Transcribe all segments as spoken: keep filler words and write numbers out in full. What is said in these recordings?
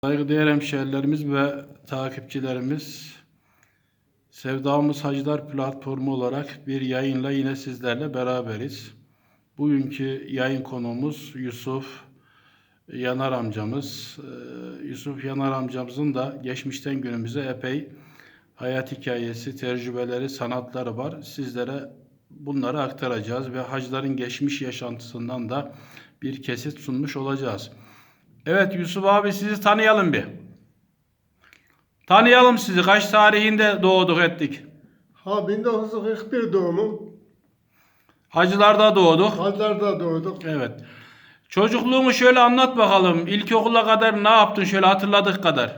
Saygıdeğer hemşehrilerimiz ve takipçilerimiz, Sevdamız Hacılar platformu olarak bir yayınla yine sizlerle beraberiz. Bugünkü yayın konuğumuz Yusuf Yanar amcamız. Ee, Yusuf Yanar amcamızın da geçmişten günümüze epey hayat hikayesi, tecrübeleri, sanatları var. Sizlere bunları aktaracağız ve hacıların geçmiş yaşantısından da bir kesit sunmuş olacağız. Evet Yusuf abi, sizi tanıyalım bir. Tanıyalım sizi. Kaç tarihinde doğduk ettik? Ha bin dokuz yüz kırk bir doğumum. Hacılarda doğduk. Hacılar'da doğduk. Evet. Çocukluğunu şöyle anlat bakalım. İlkokula kadar ne yaptın şöyle hatırladık kadar?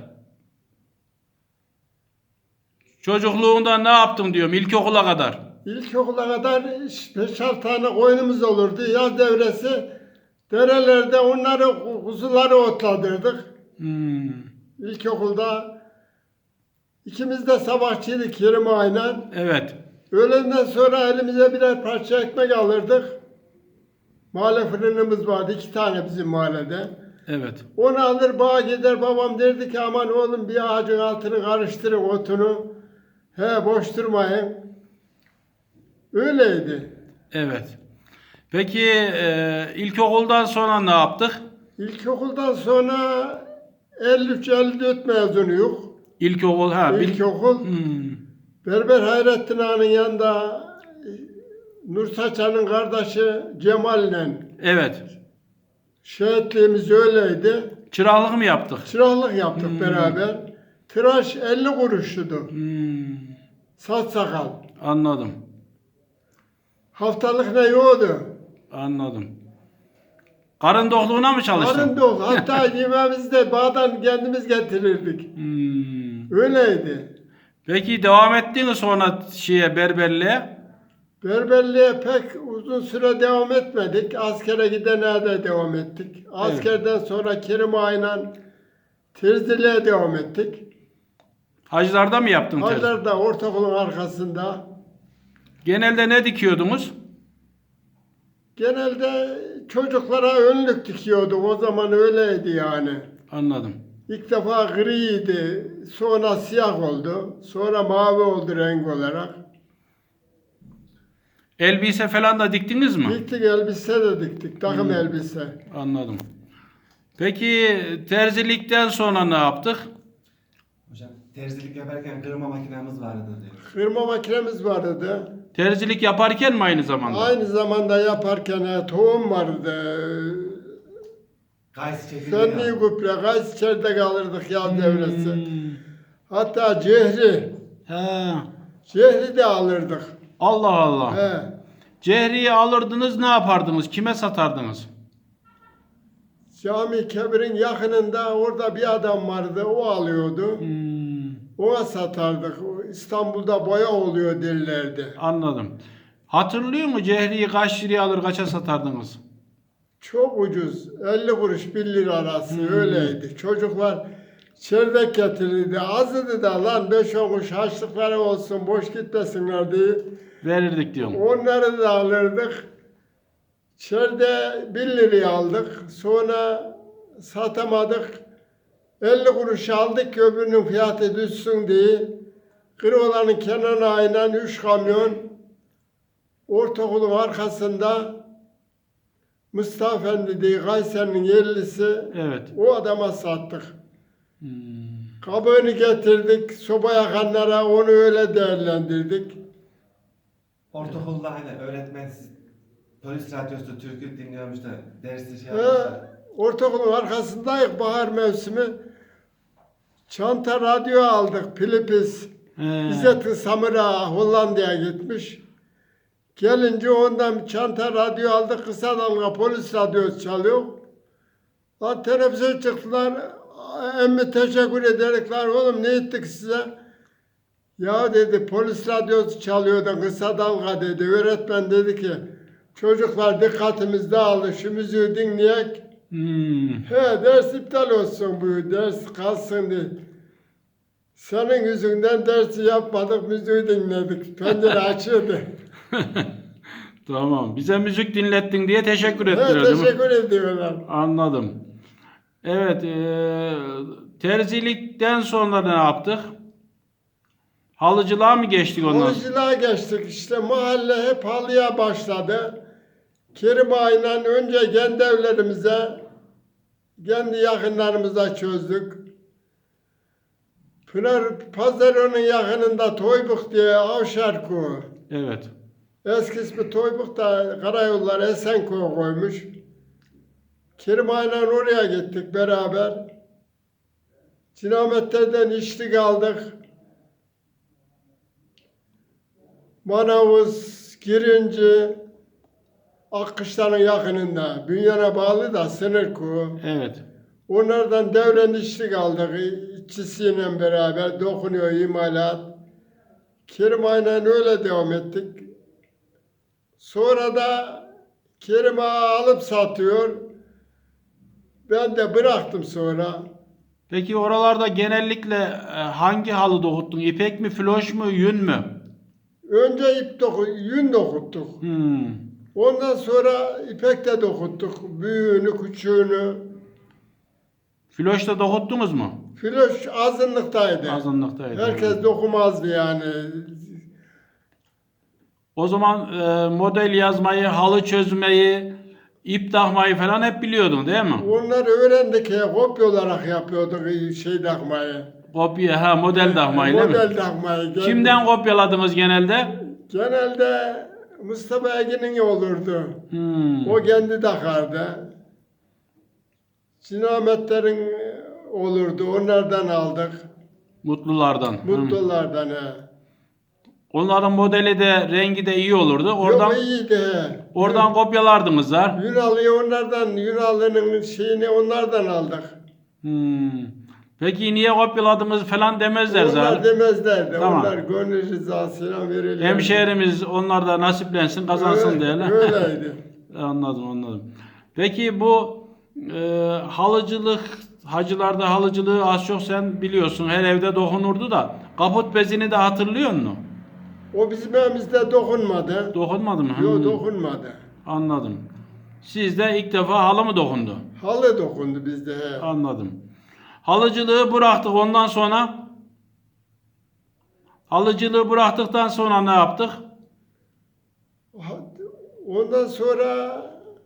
Çocukluğunda ne yaptın diyorum ilkokula kadar. İlkokula kadar beş altı tane koyunumuz olurdu. Yaz devresi derelerde onları, kuzuları otladırdık. Hmm. İlkokulda ikimiz de sabahçıydık Kerim aynen. Evet. Öğlenden sonra elimize birer parça ekmek alırdık. Mahalle fırınımız vardı, iki tane bizim mahallede. Evet. Onu alır bağa gider, babam derdi ki aman oğlum bir ağacın altını karıştırın otunu. He boş durmayın. Öyleydi. Evet. Peki e, ilkokuldan sonra ne yaptık? İlkokuldan sonra elli üç elli dört mezunuyuk. İlkokul ha. bil- İlkokul. Hmm. Berber Hayrettin Ağa'nın yanında e, Nur Saçan'ın kardeşi Cemal'le Evet. şehitliğimiz öyleydi. Çıraklık mı yaptık? Çıraklık yaptık Hmm. beraber. Tıraş elli kuruştu. Hmm. Saç sakal. Anladım. Haftalık ne yoktu. Anladım. Karın dokluğuna mı çalıştın? Karın dok. Hatta yemeğimizi de bağdan kendimiz getirirdik. Hmm. Öyleydi. Peki devam ettin mi sonra şeye berberliğe? Berberliğe pek uzun süre devam etmedik. Askere gidene de devam ettik. Askerden sonra Kerim Ağa'yla terziliğe devam ettik. Hacılarda mı yaptın terzi? Hacılar'da ortaokulun arkasında. Genelde ne dikiyordunuz? Genelde çocuklara önlük dikiyorduk. O zaman öyleydi yani. Anladım. İlk defa griydi. Sonra siyah oldu. Sonra mavi oldu renk olarak. Elbise falan da diktiniz mi? Diktik elbise de diktik. Takım Hmm. elbise. Anladım. Peki terzilikten sonra ne yaptık? Hocam terzilik yaparken kırma makinamız vardı diyor. Kırma makinemiz vardı. Terzilik yaparken mi aynı zamanda? Aynı zamanda yaparken e, tohum vardı. Kayısı çekirdeği Fenli aldık. gübre, gayet içeride kalırdık yaz devresi. Hmm. Hatta cehri, He. cehri de alırdık. Allah Allah. He. Cehriyi alırdınız, ne yapardınız? Kime satardınız? Cami Kebir'in yakınında orada bir adam vardı, o alıyordu. Hmm. Ona satardık. O İstanbul'da boya oluyor derlerdi. Anladım. Hatırlıyor musun Cehri'yi kaç liraya alır kaça satardınız? Çok ucuz, elli kuruş bir lira arası Hmm. öyleydi. Çocuklar çeyrek getirirdi. Azdı da lan beş on kuruş harçlıkları olsun boş gitmesinler diye. Verirdik diyorum. Onları da alırdık. Çerde bir liraya aldık. Sonra satamadık. elli kuruş aldık ki öbürünün fiyatı düşsün diye. Kıroğlan'ın kenarına aynen üç kamyon ortaokulun arkasında Mustafa Efendi diye Kayseri'nin yerlisi, Evet. o adama sattık. Hmm. Kabığını getirdik, soba yakanlara onu öyle değerlendirdik. Ortaokulda hani öğretmen siz polis radyosu türkü dinliyormuş da dersi şey He, yapmışlar. ortaokulun arkasındayız bahar mevsimi. Çanta radyo aldık, Philips. He. İzzet Samira Hollanda'ya gitmiş. Gelince ondan çanta radyo aldık, kısa dalga polis radyosu çalıyor. Lan televizyon çıktılar, emmi teşekkür ederekler, oğlum ne ettik size? Ya dedi polis radyosu çalıyordu, kısa dalga dedi. Öğretmen dedi ki, çocuklar dikkatimiz dağıldı, şu müziği dinleyek. Hmm. He ders iptal olsun bu, ders kalsın diye. Senin yüzünden dersi yapmadık, müziği dinledik. Pencere açıyordu. Tamam. Bize müzik dinlettin diye teşekkür He, ettiriyor değil mi? teşekkür ediyorlar. Anladım. Evet. eee Terzilikten sonra ne yaptık? Halıcılığa mı geçtik ondan sonra? Halıcılığa geçtik. İşte mahalle hep halıya başladı. Kerim Ağa'yla önce kendi evlerimize, kendi yakınlarımıza çözdük. Pınar Pazarı'nın yakınında Toybuk diye Avşar Köyü. Evet. Eski ismi Toybuk da Karayollar Esenköy koymuş. Kerim Ağa'yla oraya gittik beraber. Cinametlerden içtik aldık. Manavuz, Girinci, Akkışlar'ın yakınında. Bünyan'a bağlı da sınır köyü. Evet. Onlardan devren içlik aldık. İşçisiyle beraber dokunuyor imalat. Kerim Ağa'yla öyle devam ettik. Sonra da Kerim Ağa alıp satıyor. Ben de bıraktım sonra. Peki oralarda genellikle e, hangi halı dokuttun? İpek mi, floş mu, yün mü? Önce ip doku, yün dokuttuk. Hmm. Ondan sonra ipek de dokuttuk. Büyüğünü, küçüğünü. Floş da dokuttunuz mu? Filoş azınlıktaydı. Azınlıktaydı. Herkes dokumazdı yani. O zaman e, model yazmayı, halı çözmeyi, ip takmayı falan hep biliyordun değil mi? Onları öğrendik ya, kopya olarak yapıyorduk şey takmayı. Kopya, ha model takmayı değil mi? Model takmayı. Kimden kopyaladınız genelde? Genelde Mustafa Egin'in olurdu. Hmm. O kendi takardı. Sinametlerin olurdu, onlardan aldık. Mutlulardan. Hmm. Mutlulardan he. Onların modeli de rengi de iyi olurdu. Oradan Yok iyiydi he. oradan kopyalardınız ha. Yunalı'yı onlardan, Yunalı'nın şeyini onlardan aldık. Hmm. Peki niye kopyaladınız falan demezler Onlar zaten. demezlerdi. Tamam. Onlar gönül rızasıyla verirler. Hemşehrimiz onlar da nasiplensin, kazansın Öyle- diyelim. Öyleydi. Anladım, anladım. Peki bu e, halıcılık, hacılarda halıcılığı az çok sen biliyorsun. Her evde dokunurdu da. Kaput bezini de hatırlıyor musun? O bizim evimizde dokunmadı. Dokunmadı mı? Yok Hmm. dokunmadı. Anladım. Sizde ilk defa halı mı dokundu? Halı dokundu bizde. He. Anladım. Halıcılığı bıraktık ondan sonra. Halıcılığı bıraktıktan sonra ne yaptık? Ondan sonra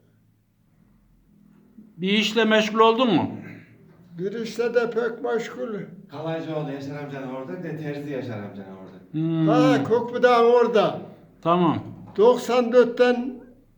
Bir işle meşgul oldun mu? bir işte de pek meşgul. Kalaycıoğlu Yaşar amcanın orada, bir de Terzi Yaşar amcanın orada. Hmm. Ha Kokbu'dan orada. Tamam. doksan dörtten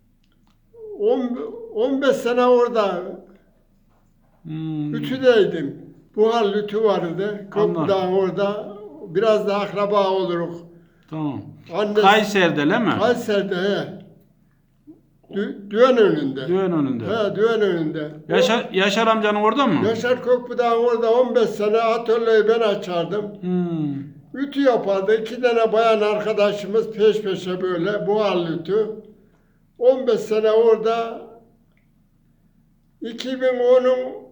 on beş sene orada Hmm. Lütü'deydim. Buhar Lütü vardı. Kokbu'dan orada. Biraz da akraba oluruk. Tamam. Annesi, Kayseri'de değil mi? Kayseri'de he. Dü, düğün önünde. Düğün önünde. He, düğün önünde. Yaşar, Yaşar amcanın orada mı? Yaşar Kokbu'dan orada on beş sene atölyeyi ben açardım. Hmm. Ütü yapardı. İki tane bayan arkadaşımız peş peşe böyle buharlı ütü. on beş sene orada iki bin onun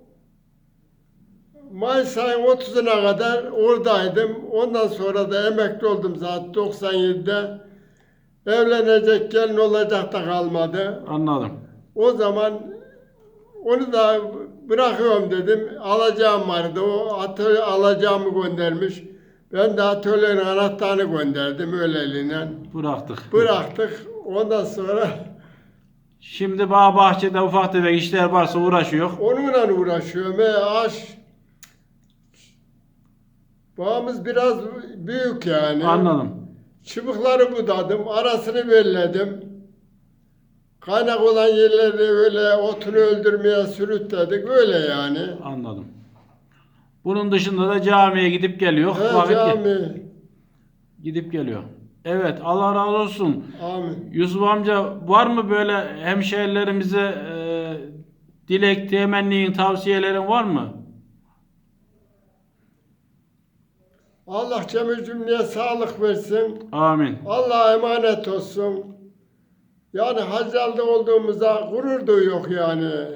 Mayıs ayın otuzuna kadar oradaydım. Ondan sonra da emekli oldum zaten doksan yedide. Evlenecek gelin olacak da kalmadı. Anladım. O zaman onu da bırakıyorum dedim. Alacağım vardı. O atölye alacağımı göndermiş. Ben de atölyenin anahtarını gönderdim öyleliğine. Bıraktık. Bıraktık. Ondan sonra Şimdi bağ bahçede ufak tefek işler varsa uğraşıyor. onunla uğraşıyorum. E, aş. Bağımız biraz büyük yani. Anladım. Çubukları budadım. Arasını belledim. Kaynak olan yerleri öyle otunu öldürmeye sürükledik. Öyle yani. Anladım. Bunun dışında da camiye gidip geliyor. He, Vakit ge- cami. gidip geliyor. Evet, Allah razı olsun. Amin. Yusuf amca var mı böyle hemşehrilerimize e, dilek, temennin, tavsiyelerin var mı? Allah cemi cümleye sağlık versin. Amin. Allah'a emanet olsun. Yani hacalda olduğumuza gurur duyuyor yani.